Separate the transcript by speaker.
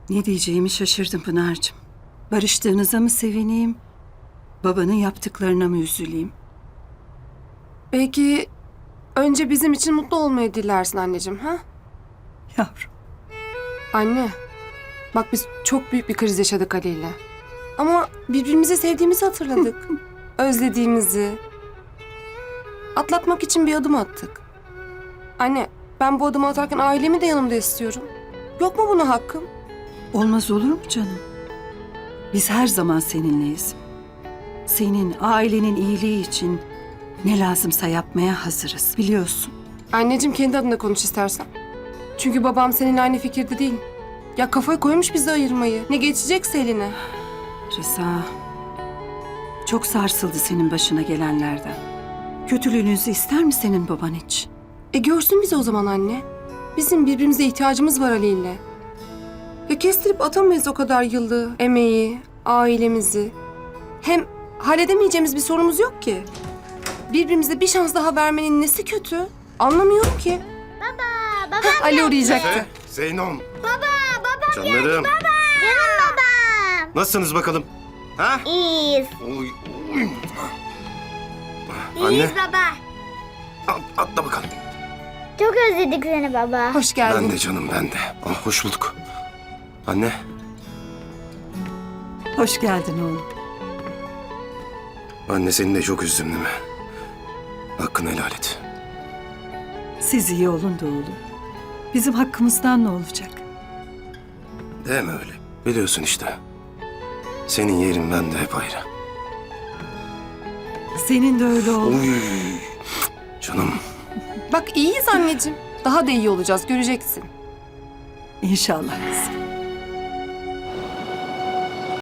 Speaker 1: Ne diyeceğimi şaşırdım Pınar'cığım. Barıştığınıza mı sevineyim, babanın yaptıklarına mı üzüleyim?
Speaker 2: Belki önce bizim için mutlu olmayı dilersin anneciğim, ha?
Speaker 1: Yavrum,
Speaker 2: Anne, bak biz çok büyük bir kriz yaşadık Ali ile. Ama birbirimizi sevdiğimizi hatırladık. Özlediğimizi. Atlatmak için bir adım attık. Anne, ben bu adımı atarken ailemi de yanımda istiyorum. Yok mu buna hakkım?
Speaker 1: olmaz olur mu canım? Biz her zaman seninleyiz. Senin, ailenin iyiliği için ne lazımsa yapmaya hazırız, biliyorsun.
Speaker 2: Anneciğim kendi adına konuş istersen. Çünkü babam seninle aynı fikirde değil. Ya kafayı koymuş bizi ayırmayı. Ne geçecekse eline.
Speaker 1: Rıza, çok sarsıldı senin başına gelenlerden. Kötülüğünüzü ister mi senin baban hiç?
Speaker 2: Görsün bizi o zaman anne. Bizim birbirimize ihtiyacımız var Ali ile. Ya kestirip atamayız o kadar yıllığı, emeği, ailemizi. Hem halledemeyeceğimiz bir sorunumuz yok ki. Birbirimize bir şans daha vermenin nesi kötü? Anlamıyorum ki.
Speaker 3: Baba
Speaker 2: Ali uğrayacaktı.
Speaker 4: Efe, Zeynom. Canlarım.
Speaker 3: canım babam.
Speaker 4: Nasılsınız bakalım? Ha?
Speaker 3: İyiyiz.
Speaker 4: Oy, oy. Anne,
Speaker 3: İyiyiz baba.
Speaker 4: atla bakalım.
Speaker 3: Çok özledik seni baba.
Speaker 2: Hoş geldin.
Speaker 4: Ben de canım, ben de. Ama hoş bulduk. Anne,
Speaker 1: Hoş geldin oğlum.
Speaker 4: anne seni de çok üzdüm değil mi? Hakkını helal et.
Speaker 1: Siz iyi olun da oğlum. Bizim hakkımızdan ne olacak?
Speaker 4: Deme öyle. Biliyorsun işte. Senin yerin bende hep ayrı.
Speaker 1: Senin de öyle oğlum.
Speaker 4: Oy. Canım.
Speaker 2: Bak iyiyiz anneciğim. Daha da iyi olacağız göreceksin.
Speaker 1: İnşallah kızım.